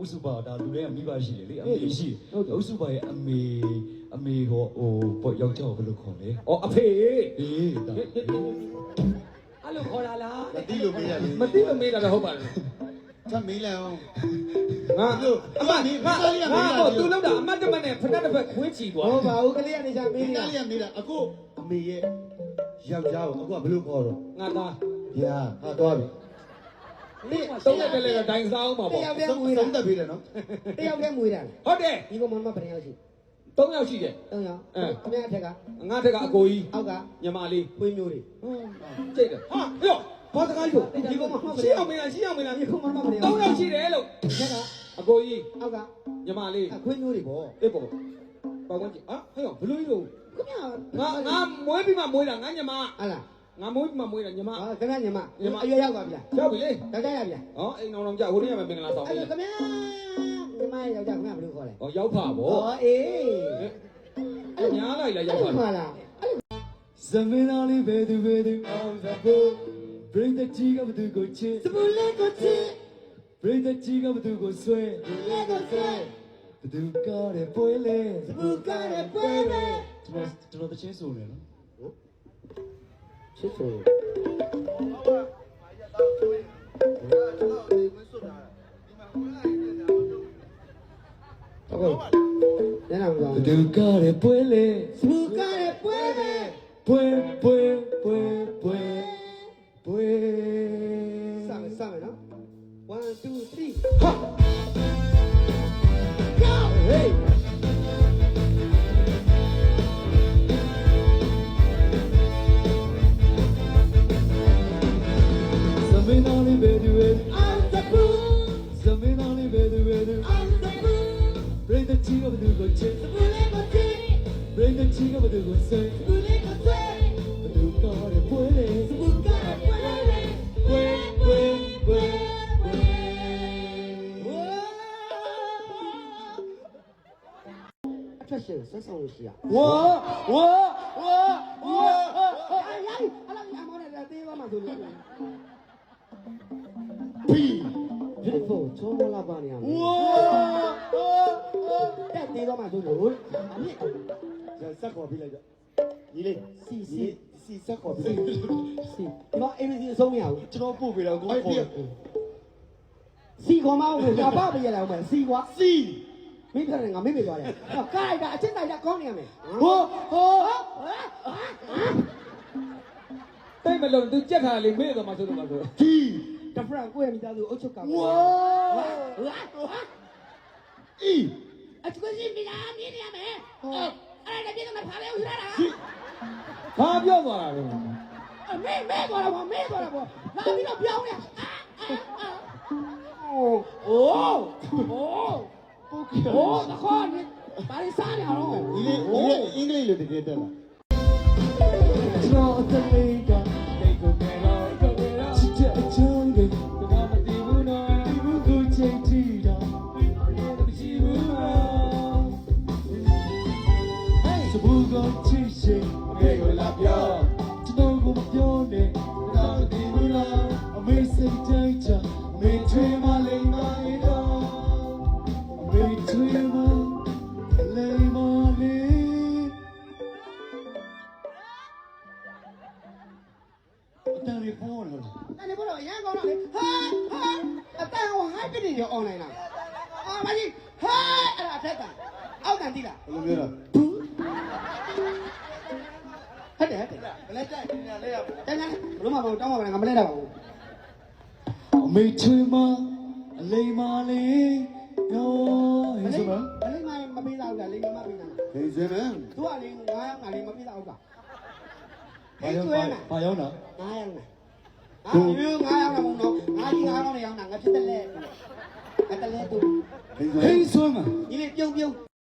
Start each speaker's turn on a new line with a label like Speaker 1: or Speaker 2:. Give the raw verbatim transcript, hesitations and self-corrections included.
Speaker 1: ဥစုပါဒါလူတွေကမိဘရှိတယ်လေအမေရှိတယ်ဥစုပါရဲ့အမေအမေဟောဟိုပေါ့ယောက်ျားကိုဘယ်လိုခေါ်လဲ
Speaker 2: ဩအဖေအေး
Speaker 1: အေးဒါ
Speaker 2: အဲ့လိုခေါ်တာလား
Speaker 3: မတိလို့မေးရလေ
Speaker 2: မသိလို့မေးတာတော့ဟုတ်ပါလား
Speaker 3: ချက်မေးလိုက်အောင်
Speaker 2: ငါအမငါငါတော့သူလောက်တာအမတ်တမနဲ့ဖက်တစ်ဖက်ခွင်းချီသွား
Speaker 4: ဟုတ်ပါဘူးကလေးကနေချမေး
Speaker 3: မေး
Speaker 4: နေ
Speaker 3: လိုက်ရမေးလိုက်အခုအမေရဲ့ယောက်ျားကိုအခုကဘယ်လိုခေါ်တော့
Speaker 2: ငါသား
Speaker 3: ဗျာဟာတော့ပြီ
Speaker 2: သုံးရက်တည်းလည်းဒိုင်စားအောင်ပါ
Speaker 4: တ
Speaker 2: ပေါ့
Speaker 4: ယောက်တည်း
Speaker 3: ဆုံး
Speaker 4: မွေးတာ
Speaker 3: ဆုံးသက်ပြီလေနော်
Speaker 4: တယောက်တည်းမွေးတာ
Speaker 2: ဟုတ်တယ်
Speaker 4: ဒီကောင်မမဘယ်ရောက်ရှိ
Speaker 2: သုံးယောက်ရှိတယ်
Speaker 4: သုံးယောက်ခမရထက်က
Speaker 2: ငါထက်ကအကိုကြီး
Speaker 4: အောက်က
Speaker 2: ညီမလေး
Speaker 4: ပွေးမျိုးတွေ
Speaker 2: ကြိတ်တယ်ဟာရောဘာတကားလို့
Speaker 4: ဒီကောင်မမဘယ်
Speaker 2: ရှင်း
Speaker 4: ရောက်
Speaker 2: အောင်မလားရှင်းအောင်မလား
Speaker 4: ဒီကောင်မမဘယ်ရောက်
Speaker 2: သုံးယောက်ရှိတယ်လို့
Speaker 4: ထက်ကအ
Speaker 2: ကိုကြီး
Speaker 4: အောက်က
Speaker 2: ညီမလေး
Speaker 4: အခွေးမျိုးတွေပေါ့
Speaker 2: အေးပေါ့ပေါင်းဝင်ကြည့်ဟာဟဲ့ရောဘလို့လို့
Speaker 4: ခမရ
Speaker 2: ငါငါမွေးပြီးမှမွေးတာငါညီမ
Speaker 4: ဟာလား
Speaker 2: ငါမွေးပြီးမှမွေးတာညီမ
Speaker 4: ဟာခမရညီမအရွယ်ရောက်ပါဗျာ
Speaker 2: ရောက်ပြီလေ
Speaker 4: ယောက်ျားရဗျာ
Speaker 2: ဟောအိမ်အောင်အောင်ကြဟိုနေ့ကမင်္ဂလာဆောင်
Speaker 4: အဲ့
Speaker 2: ပြီ
Speaker 4: ဒါခမရညီမယောက်ျားခမရဘယ်လိုခေါ်လဲ
Speaker 2: ဟောရောက်ဖာဗော
Speaker 4: ဟောအေး
Speaker 2: အဲ့ညားလိုက်လားရောက်ဖာ
Speaker 4: မှလား
Speaker 1: ဇမင်းသားလေးဘယ်သူဘယ်သူအောင်သဖို့ဘရိတ်တကြီးကဘသူကိုချစ်
Speaker 4: စပူလေးကိုချစ်
Speaker 1: ဘရိတ်တကြီးကဘသူကိုဆွဲ
Speaker 4: လေးကိုဆွဲ
Speaker 1: ဘသူကားတဲ့ပွဲလဲ
Speaker 4: စပူကားတဲ့ပွဲပဲ
Speaker 1: ကျွန်တော်ကျွန်တော်တချင်းဆိုနေနော်
Speaker 4: ချစ်ဆိုဟုတ်ကဲ့ညနေမှာ
Speaker 1: ဘသူကားတဲ့ပွဲလဲ
Speaker 4: စပူကားတဲ့ပွဲပဲ
Speaker 1: ပွဲပွဲပွဲပွဲပွဲ
Speaker 4: စမယ်စမယ်နော်one two three
Speaker 1: ဟာ
Speaker 4: go hey
Speaker 1: ဇမင်းသားလေးဘယ်သူဘယ်သူ
Speaker 4: I'm the boo
Speaker 1: ဇမင်းသားလေးဘယ်သူဘယ်သူ
Speaker 4: I'm the boo
Speaker 1: ဘရိတ်တကြီးကဘသူကိုချစ်
Speaker 4: စပူလေးကိုချစ်
Speaker 1: ဘရိတ်တကြီးကဘသူကိုဆွဲ
Speaker 4: စပူလေးကိုဆွဲ
Speaker 1: ဘသူကားတဲ့ပွဲလဲ
Speaker 4: စပူကားတဲ့ပွဲပဲ
Speaker 1: ပွဲပွဲပွဲပွဲ
Speaker 4: အထွက်ရှင်ဆက်ဆောင်လို့ရှိရ
Speaker 1: ဝါဝါဝါဝါ
Speaker 4: 哎呀，阿拉阿毛来来，对吧嘛，对不对？
Speaker 3: ပြီ
Speaker 4: beautiful，超过老板娘。
Speaker 1: ဝါ
Speaker 4: 哎，对吧嘛，对不对？阿妹，
Speaker 3: ဆက်ခေါ်ပြလိုက်တော့ညီလေး
Speaker 4: 是
Speaker 3: စီ
Speaker 4: 是
Speaker 3: စီဆက်ခေါ်ပြ
Speaker 4: 是，你把 A B C 收没有？
Speaker 3: ကျွန်တော်ပို့ပေးတော့ကို
Speaker 4: 哎
Speaker 3: ခေါ်
Speaker 4: 西瓜嘛，我们家爸爸也来我们西瓜，
Speaker 3: စီ
Speaker 4: 没骗人啊，没骗人。盖的，现在在讲你没？
Speaker 1: ဟောဟော
Speaker 2: တိတ်မလုံးသူကြက်ထားလေမေ့တော့မှဆိုတော့မှဆို
Speaker 3: ဒီ
Speaker 4: 这不然我也没家都欧洲搞。
Speaker 1: ဝါ
Speaker 3: အီ
Speaker 4: 啊，这个是没啦，没啦没。哦，哎，那边都没爬来，我去哪啦？
Speaker 2: ဘာပြောသွားတာလဲ
Speaker 4: 啊，没没过来我，没过来我，那边都标呢。啊啊啊！哦哦哦！
Speaker 3: ပို့က
Speaker 4: 哦，那好，你把你杀掉了。
Speaker 3: ညီလေးညီလေးအင်္ဂလိပ်လိုတကယ်တက်လာ
Speaker 1: ကျွန်တော်အသက်လေးကတိတ်ကိုနေတော့ချစ်တဲ့အချောင်းတွေကမတည်ဘူးနော်ဒီဘူးကိုချိန်ကြည့်တော့မရှိဘူးနော်ဟေးစဘူးကိုချစ်ရှိငယ်ကိုလာပြောကျွန်တော်ကိုမပြောနဲ့တော့မတည်ဘူးနော်အမေစိတ်တိုင်းချအမေထွေးမလိမ့်မလေးတော့အမေထွေးမလိမ့်မလေး အတန်လေးပေါ်လာလား
Speaker 4: 那你不能眼光了，嗨嗨，啊，但我还比你要 online 呢。啊，妈的，嗨，哎呀，太干，好干的了。
Speaker 3: ဘယ်လိုပြောတာ
Speaker 4: ဟုတ်တယ်ဟုတ်တယ်
Speaker 3: ဘယ်လက်တက်ညီလေးရ
Speaker 4: တန်းတန်းဘလို့မပေါ့တောင်းပါမလားငါမလဲတော့ပါဘူး
Speaker 1: အမေချွေမအလိမ္မာလေးရောဟဲ့ဆိုမ
Speaker 4: မလေးမမပေးတော့ဘူးလိမ်မပေးတာ
Speaker 3: ဟေးစမ်းမန်
Speaker 4: သူကလေငါးယောက်ငါလေးမပေးတော့ဘူးက
Speaker 1: ဘာရောက်ဘာရောက်တာ
Speaker 4: ငါးယောက်ငါအာယူငါးယောက်တော့မဟုတ်တော့ငါကြီးငါးယောက်နဲ့ရောက်တာငါဖြစ်တယ်လေငါတလဲသူ
Speaker 3: ဟေးစ
Speaker 1: ဟေးဆိုမ
Speaker 4: ဒီလေပြုံးပြုံး